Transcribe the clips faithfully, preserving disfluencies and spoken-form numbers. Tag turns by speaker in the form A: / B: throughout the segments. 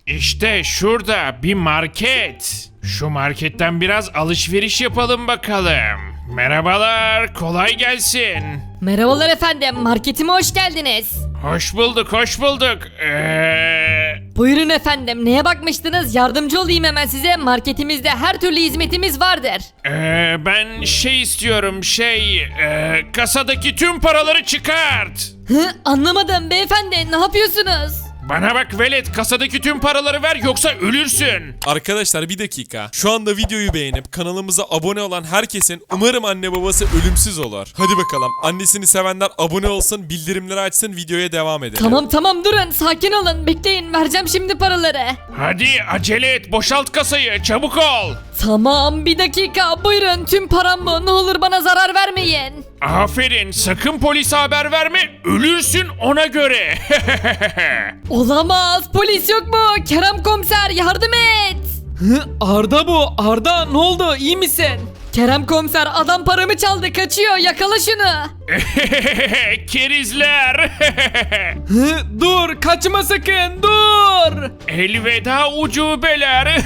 A: İşte şurada bir market. Şu marketten biraz alışveriş yapalım bakalım. Merhabalar, kolay gelsin.
B: Merhabalar efendim, marketime hoş geldiniz.
A: Hoş bulduk, hoş bulduk. Eee...
B: Buyurun efendim, neye bakmıştınız? Yardımcı olayım hemen size. Marketimizde her türlü hizmetimiz vardır.
A: Eee, ben şey istiyorum, şey... eee, kasadaki tüm paraları çıkart.
B: Hı, anlamadım beyefendi, ne yapıyorsunuz?
A: Bana bak velet, kasadaki tüm paraları ver yoksa ölürsün.
C: Arkadaşlar bir dakika. Şu anda videoyu beğenip kanalımıza abone olan herkesin umarım anne babası ölümsüz olur. Hadi bakalım. Annesini sevenler abone olsun, bildirimleri açsın, videoya devam edelim.
B: Tamam tamam durun, sakin olun, bekleyin, vereceğim şimdi paraları.
A: Hadi acele et, boşalt kasayı, çabuk ol.
B: Tamam, bir dakika, buyurun, tüm param bu, ne olur bana zarar vermeyin.
A: Aferin, sakın polise haber verme, ölürsün ona göre.
B: Olamaz, polis yok mu? Kerem komiser, yardım et.
D: Hı, Arda bu. Arda ne oldu? İyi misin?
B: Kerem komiser, adam paramı çaldı, kaçıyor, yakala şunu.
A: Kerizler.
D: Hı, dur kaçma sakın dur.
A: Elveda ucubeler.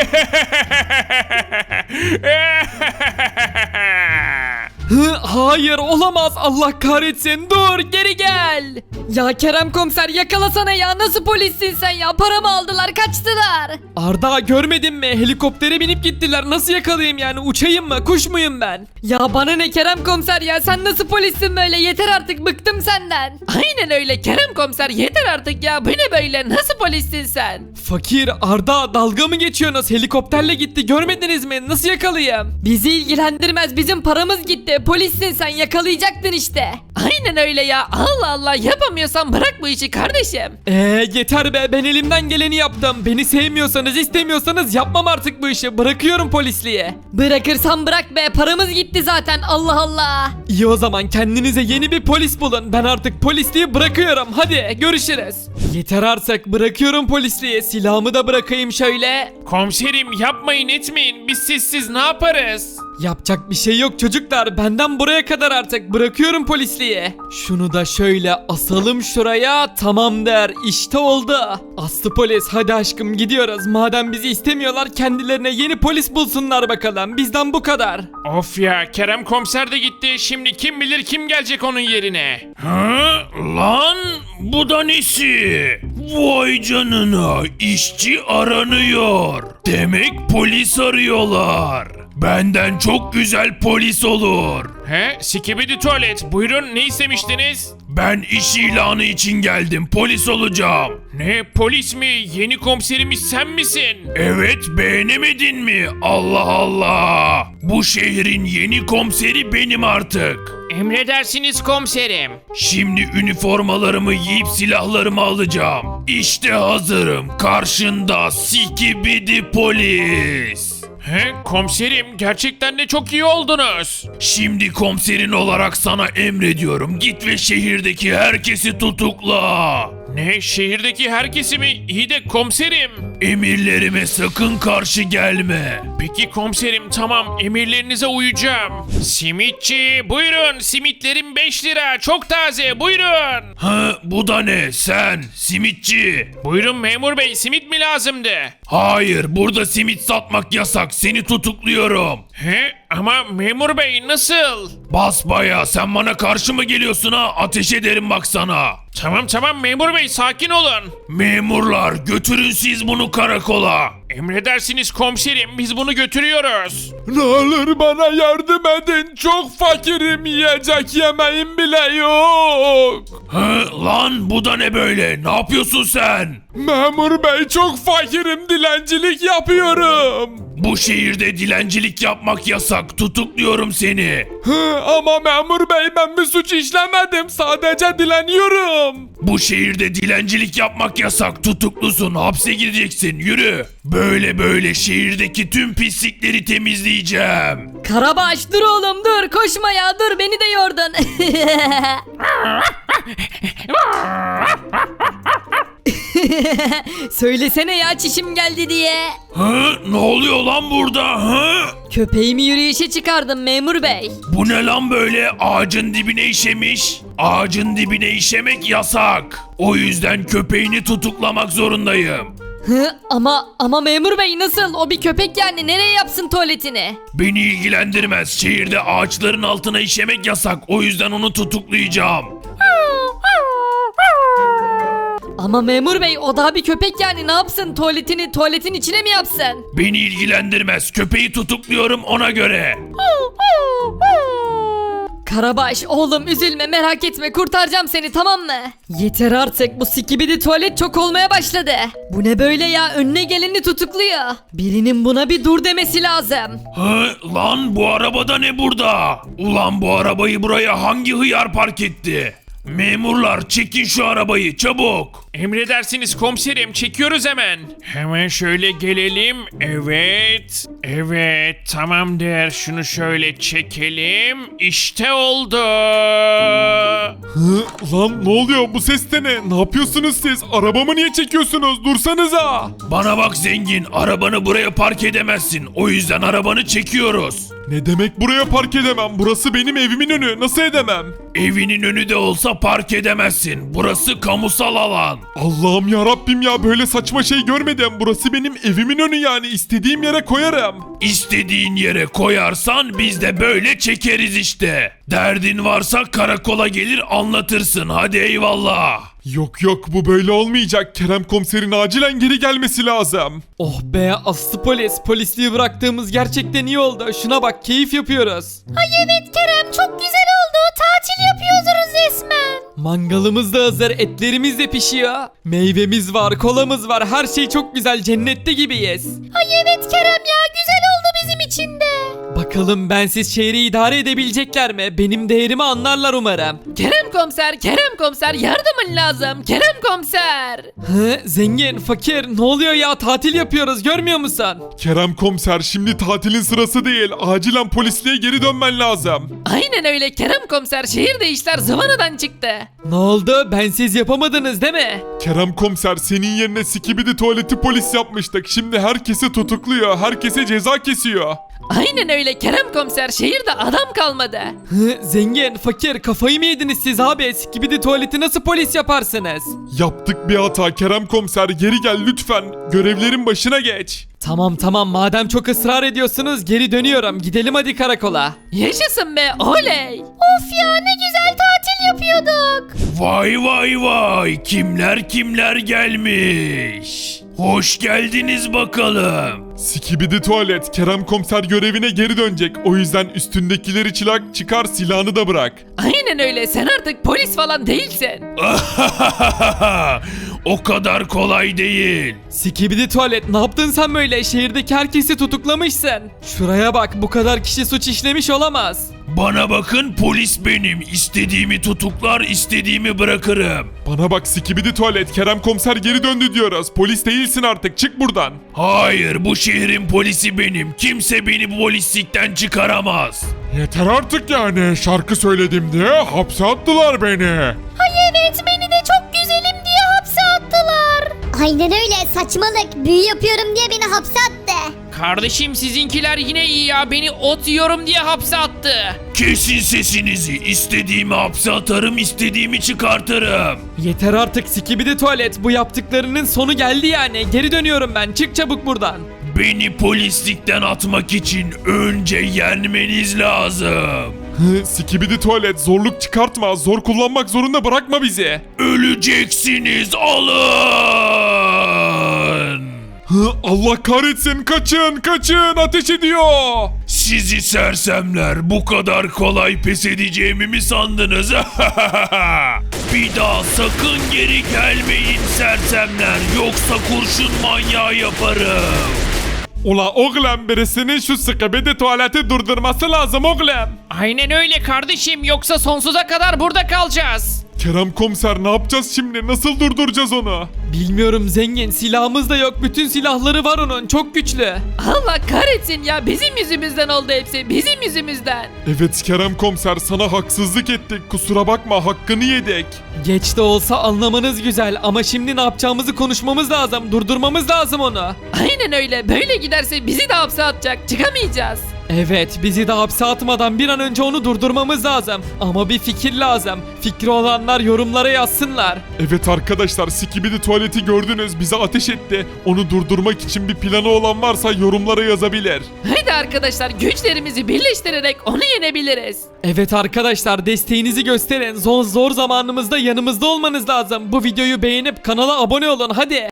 D: Hı, hayır olamaz, Allah kahretsin, dur geri gel.
B: Ya Kerem komiser, yakalasana ya, nasıl polissin sen ya, paramı aldılar, kaçtılar.
D: Arda görmedin mi? Helikoptere binip gittiler, nasıl yakalayayım yani, uçayım mı, kuş muyum ben?
B: Ya bana ne Kerem komiser ya, sen nasıl polissin böyle, yeter artık, bıktım senden.
E: Aynen öyle Kerem komiser, yeter artık ya, bu ne böyle, nasıl polissin sen?
D: Fakir, Arda dalga mı geçiyorsunuz? Helikopterle gitti, görmediniz mi? Nasıl yakalayayım?
B: Bizi ilgilendirmez, bizim paramız gitti, polissin sen, yakalayacaktın işte.
E: Aynen öyle ya, Allah Allah, yapamıyorsan bırak bu işi kardeşim.
D: Eee yeter be, ben elimden geleni yaptım. Beni sevmiyorsanız istemiyorsanız yapmam artık bu işi, bırakıyorum polisliğe.
B: Bırakırsan bırak be, paramız gitti zaten, Allah Allah.
D: İyi o zaman kendinize yeni bir polis bulun. Ben artık polisliği bırakıyorum. Hadi görüşürüz. Yeter artık, bırakıyorum polisliği. Silahımı da bırakayım şöyle.
A: Komiserim yapmayın etmeyin, biz sizsiz ne yaparız?
D: Yapacak bir şey yok çocuklar. Benden buraya kadar artık. Bırakıyorum polisliği. Şunu da şöyle asalım şuraya. Tamamdır. İşte oldu. Aslı polis, hadi aşkım gidiyoruz. Madem bizi istemiyorlar, kendilerine yeni polis bulsunlar bakalım. Bizden bu kadar.
A: Of ya, Kerem komiser de gitti, şimdi kim bilir kim gelecek onun yerine. Ha? Lan bu da nesi? Vay canına, işçi aranıyor. Demek polis arıyorlar. Benden çok güzel polis olur. He? Sikibidi tuvalet. Buyurun, ne istemiştiniz? Ben iş ilanı için geldim. Polis olacağım. Ne? Polis mi? Yeni komiserimiz sen misin? Evet, beğenemedin mi? Allah Allah. Bu şehrin yeni komiseri benim artık. Emredersiniz komiserim. Şimdi üniformalarımı giyip silahlarımı alacağım. İşte hazırım. Karşında Sikibidi polis. He, komiserim gerçekten de çok iyi oldunuz. Şimdi komiserin olarak sana emrediyorum. Git ve şehirdeki herkesi tutukla. Ne, şehirdeki herkesi mi? İyi de komiserim. Emirlerime sakın karşı gelme. Peki komiserim, tamam, emirlerinize uyacağım. Simitçi buyurun, simitlerim beş lira, çok taze, buyurun. Ha, bu da ne, sen simitçi? Buyurun memur bey, simit mi lazımdı? Hayır, burada simit satmak yasak, seni tutukluyorum. He, ama memur bey nasıl? Basbaya, sen bana karşı mı geliyorsun ha? Ateş ederim bak sana. Tamam tamam memur bey, sakin olun. Memurlar, götürün siz bunu karakola. Emredersiniz komiserim, biz bunu götürüyoruz.
D: Ne olur bana yardım edin. Çok fakirim, yiyecek yemeğim bile yok.
A: Hı, lan bu da ne böyle? Ne yapıyorsun sen?
D: Memur bey, çok fakirim, dilencilik yapıyorum.
A: Bu şehirde dilencilik yapmak yasak. Tutukluyorum seni.
D: Hı, ama memur bey, ben bir suç işlemedim, sadece dileniyorum.
A: Bu şehirde dilencilik yapmak yasak. Tutuklusun. Hapse gideceksin. Yürü. Böyle böyle şehirdeki tüm pislikleri temizleyeceğim.
B: Karabaş dur oğlum, dur, koşma ya, dur, beni de yordun. Söylesene ya, çişim geldi diye.
A: Hı? Ne oluyor lan burada? Hı?
B: Köpeğimi yürüyüşe çıkardım memur bey.
A: Bu ne lan böyle? Ağacın dibine işemiş. Ağacın dibine işemek yasak. O yüzden köpeğini tutuklamak zorundayım.
B: Hı, ama ama memur bey nasıl? O bir köpek yani nereye yapsın tuvaletini?
A: Beni ilgilendirmez. Şehirde ağaçların altına işemek yasak. O yüzden onu tutuklayacağım.
B: Ama memur bey o daha bir köpek yani ne yapsın? Tuvaletini tuvaletin içine mi yapsın?
A: Beni ilgilendirmez. Köpeği tutukluyorum ona göre.
B: Karabaş oğlum üzülme merak etme kurtaracağım seni tamam mı? Yeter artık bu sikibidi tuvalet çok olmaya başladı. Bu ne böyle ya önüne geleni tutukluyor. Birinin buna bir dur demesi lazım.
A: Hı, lan bu arabada ne burada? Ulan bu arabayı buraya hangi hıyar park etti? Memurlar çekin şu arabayı çabuk. Emredersiniz komiserim çekiyoruz hemen. Hemen şöyle gelelim. Evet. Evet tamamdır. Şunu şöyle çekelim. İşte oldu.
C: Hı, lan ne oluyor bu ses de ne? Ne yapıyorsunuz siz? Arabamı niye çekiyorsunuz? Dursanıza.
A: Bana bak zengin. Arabanı buraya park edemezsin. O yüzden arabanı çekiyoruz.
C: Ne demek buraya park edemem? Burası benim evimin önü. Nasıl edemem?
A: Evinin önü de olsa park edemezsin. Burası kamusal alan.
C: Allah'ım ya Rabbim ya böyle saçma şey görmedim. Burası benim evimin önü yani istediğim yere koyarım.
A: İstediğin yere koyarsan biz de böyle çekeriz işte. Derdin varsa karakola gelir anlatırsın. Hadi eyvallah.
C: Yok yok bu böyle olmayacak. Kerem komiserin acilen geri gelmesi lazım.
D: Oh be aslı polis. Polisliği bıraktığımız gerçekten iyi oldu. Şuna bak keyif yapıyoruz.
B: Ay evet Kerem çok güzel oldu tatil yapıyoruz resmen.
D: Mangalımız da hazır, etlerimiz de pişiyor. Meyvemiz var, kolamız var. Her şey çok güzel. Cennette gibiyiz.
B: Ay evet Kerem ya güzel oldu bizim için de.
D: Bakalım bensiz şehri idare edebilecekler mi? Benim değerimi anlarlar umarım.
E: Kerem komiser, Kerem komiser yardımın lazım. Kerem komiser.
D: Hı, zengin, fakir ne oluyor ya? Tatil yapıyoruz görmüyor musun?
C: Kerem komiser şimdi tatilin sırası değil. Acilen polisliğe geri dönmen lazım.
E: Aynen öyle Kerem komiser. Şehirde işler zıvanadan çıktı.
D: Ne oldu? Bensiz yapamadınız değil mi?
C: Kerem komiser senin yerine sikibidi tuvaleti polis yapmıştık. Şimdi herkesi tutukluyor. Herkese ceza kesiyor.
E: Aynen öyle Kerem komiser. Şehirde adam kalmadı.
D: Hı, zengin, fakir kafayı mı yediniz siz abi? Skibidi tuvaleti nasıl polis yaparsınız?
C: Yaptık bir hata Kerem komiser geri gel lütfen. Görevlerin başına geç.
D: Tamam tamam madem çok ısrar ediyorsunuz geri dönüyorum. Gidelim hadi karakola.
E: Yaşasın be oley.
B: Of ya ne güzel tatil yapıyorduk.
A: Vay vay vay kimler kimler gelmiş. Hoş geldiniz bakalım.
C: Sikibidi tuvalet Kerem komiser görevine geri dönecek. O yüzden üstündekileri çılak çıkar silahını da bırak.
E: Aynen öyle sen artık polis falan değilsin.
A: O kadar kolay değil.
D: Skibidi tuvalet ne yaptın sen böyle? Şehirdeki herkesi tutuklamışsın. Şuraya bak bu kadar kişi suç işlemiş olamaz.
A: Bana bakın polis benim. İstediğimi tutuklar, istediğimi bırakırım.
C: Bana bak sikibidi tuvalet Kerem komiser geri döndü diyoruz. Polis değilsin artık çık buradan.
A: Hayır, bu şehrin polisi benim. Kimse beni polislikten çıkaramaz.
C: Yeter artık yani şarkı söyledim diye hapse attılar beni.
B: Ay evet beni de çok güzelim diye hapse attılar.
F: Aynen öyle saçmalık. Büyü yapıyorum diye beni hapse attı.
E: Kardeşim sizinkiler yine iyi ya. Beni ot yiyorum diye hapse attı.
A: Kesin sesinizi. İstediğimi hapse atarım, istediğimi çıkartırım.
D: Yeter artık Skibidi tuvalet bu yaptıklarının sonu geldi yani. Geri dönüyorum ben çık çabuk buradan.
A: Beni polislikten atmak için önce yenmeniz lazım.
C: Hı, sikibidi tuvalet zorluk çıkartma zor kullanmak zorunda bırakma bizi.
A: Öleceksiniz, alın.
C: Hı, Allah kahretsin kaçın kaçın ateş ediyor.
A: Sizi sersemler, bu kadar kolay pes edeceğimi mi sandınız? Bir daha sakın geri gelmeyin sersemler, yoksa kurşun manyağı yaparım.
C: Ula oğlum birisinin şu sikibidi tuvaleti durdurması lazım oğlum.
E: Aynen öyle kardeşim yoksa sonsuza kadar burada kalacağız.
C: Kerem komiser ne yapacağız şimdi nasıl durduracağız onu?
D: Bilmiyorum zengin silahımız da yok bütün silahları var onun çok güçlü.
E: Allah kahretsin ya bizim yüzümüzden oldu hepsi bizim yüzümüzden.
C: Evet Kerem komiser sana haksızlık ettik kusura bakma hakkını yedik.
D: Geç de olsa anlamanız güzel ama şimdi ne yapacağımızı konuşmamız lazım durdurmamız lazım onu.
E: Aynen öyle böyle giderse bizi de hapse atacak çıkamayacağız.
D: Evet, bizi de hapse atmadan bir an önce onu durdurmamız lazım. Ama bir fikir lazım. Fikri olanlar yorumlara yazsınlar.
C: Evet arkadaşlar, Skibidi tuvaleti gördünüz, bize ateş etti. Onu durdurmak için bir planı olan varsa yorumlara yazabilir.
E: Haydi arkadaşlar güçlerimizi birleştirerek onu yenebiliriz.
D: Evet arkadaşlar, desteğinizi gösterin. Zor zor zamanımızda yanımızda olmanız lazım. Bu videoyu beğenip kanala abone olun hadi.